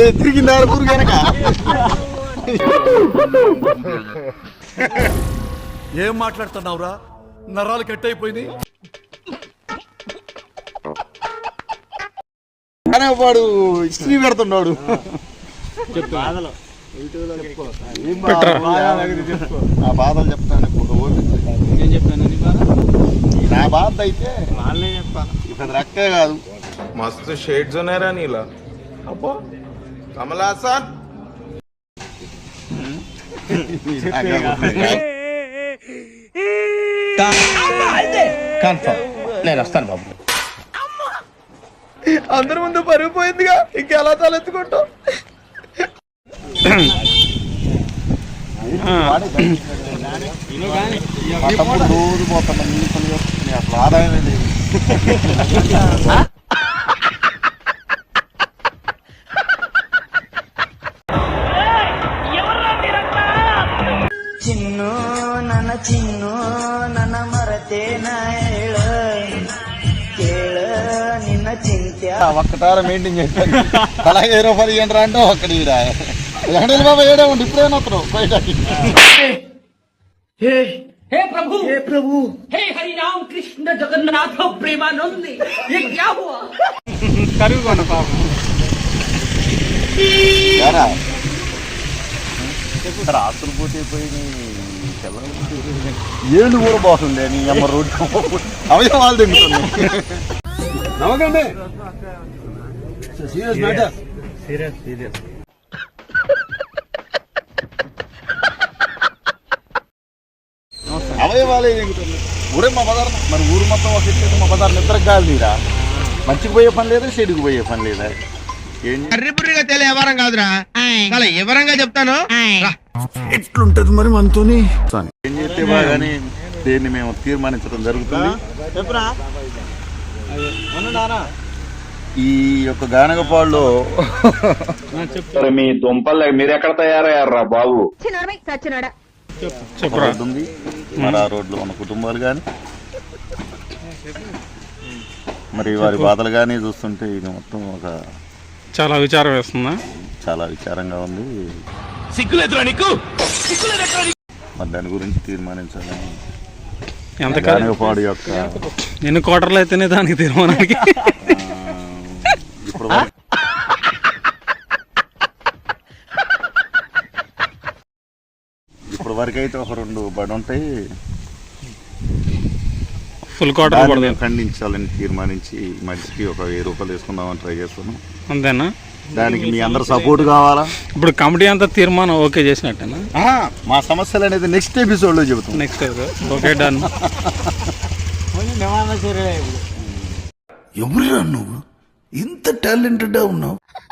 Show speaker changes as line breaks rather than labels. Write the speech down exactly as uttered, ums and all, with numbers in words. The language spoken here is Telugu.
తిరిగిందారు ఊరు కనుక
ఏం మాట్లాడుతున్నావురా? నరాలు కట్ అయిపోయింది.
వాడు హిస్టరీ పెడుతున్నాడు. నా బాధలు చెప్తాను ఇప్పుడు. నా బాధ అయితే ఇప్పుడు రక్కే కాదు.
మస్తు షేడ్స్ ఉన్నాయరా నీలా. అబ్బో కమలాసన్
నేను వస్తాను బాబు.
అందరి ముందు పరుగు పోయిందిగా, ఇంకెలా తలెత్తుకుంటావు?
రోజు పోతాను అసలు ఆదాయమే లేదు.
ಚಿನ್ನು ನನ್ನ ಚಿನ್ನು ನನ್ನ ಮರತೇನ ಹೇಳ ಕೇಳ ನಿನ್ನ ಚಿಂತ್ಯ
ఒక్కటార మెయింటైన్ చేస్తాను. అలాగే ఏ రూపాయలు ఇవ్వండి రా అంటే ఒక్కడి వెంకటేశ్వర బాబా ఏడే ఉండి ఇప్పుడేనా వస్తున్నావు బయటకి?
हे प्रभु हे प्रभु हे हरि राम कृष्ण जगन्नाथ प्रेमानंद ये क्या हुआ?
ఆస్తులు పోతే పోయి ఏళ్ళు కూడా బాగుండే నీ అమ్మ రోడ్డు అవయవాలు తింటుంది. నమ్మకండి సీరియస్ మ్యాటర్. సీరియస్ సీరియస్ అవయవాలే తింటుంది. ఊరే మా బజార్ మరి ఊరు మొత్తం ఒక ఇచ్చేది మా బజార్ నిద్రకు కాదు తీరా. మంచికి పోయే పని లేదా, చెడుకు పోయే పని లేదా.
కర్రీపురిగా తెలియ ఎవరం కాదురా, చాలా వివరంగా చెప్తాను.
ఎట్లుంటది మరి మనతోని?
ఏం చేస్తే బాగానే దీన్ని మేము తీర్మానించడం జరుగుతుంది. ఈ యొక్క గానగపాడులో
మీ దుంపలు మీరు ఎక్కడ తయారయ్యారా బాబు?
రోడ్డు ఉంది, మరి ఆ రోడ్లో ఉన్న కుటుంబాలు కానీ మరి వారి బాధలు కానీ చూస్తుంటే ఇది మొత్తం ఒక
చాలా విచారం వేస్తుందా?
చాలా విచారంగా ఉంది.
సిగ్గులేదురా నీకు?
మరి దాని గురించి తీర్మానించాలని
ఎంత
గానగపాడు యొక్క
ఎన్ని కోటర్లు అయితేనే దానికి తీర్మానానికి
ఇప్పుడు ఇప్పుడు వరకు అయితే ఒక రెండు బడి ఉంటాయి.
ఫుల్ కోటర్
ఖండించాలని తీర్మానించి మనిషికి ఒక వెయ్యి రూపాయలు వేసుకుందామని ట్రై చేస్తున్నాం.
అంతేనా?
దానికి మీ అందరు సపోర్ట్ కావాలా?
ఇప్పుడు కమిటీ అంతా తీర్మానం ఓకే చేసినట్టేనా?
మా సమస్యలు అనేది నెక్స్ట్ ఎపిసోడ్ లో చెబుతాం.
Next okay done.
ఎవరురా నువ్వు? ఇంత టాలెంటెడ్ ఉన్నావు.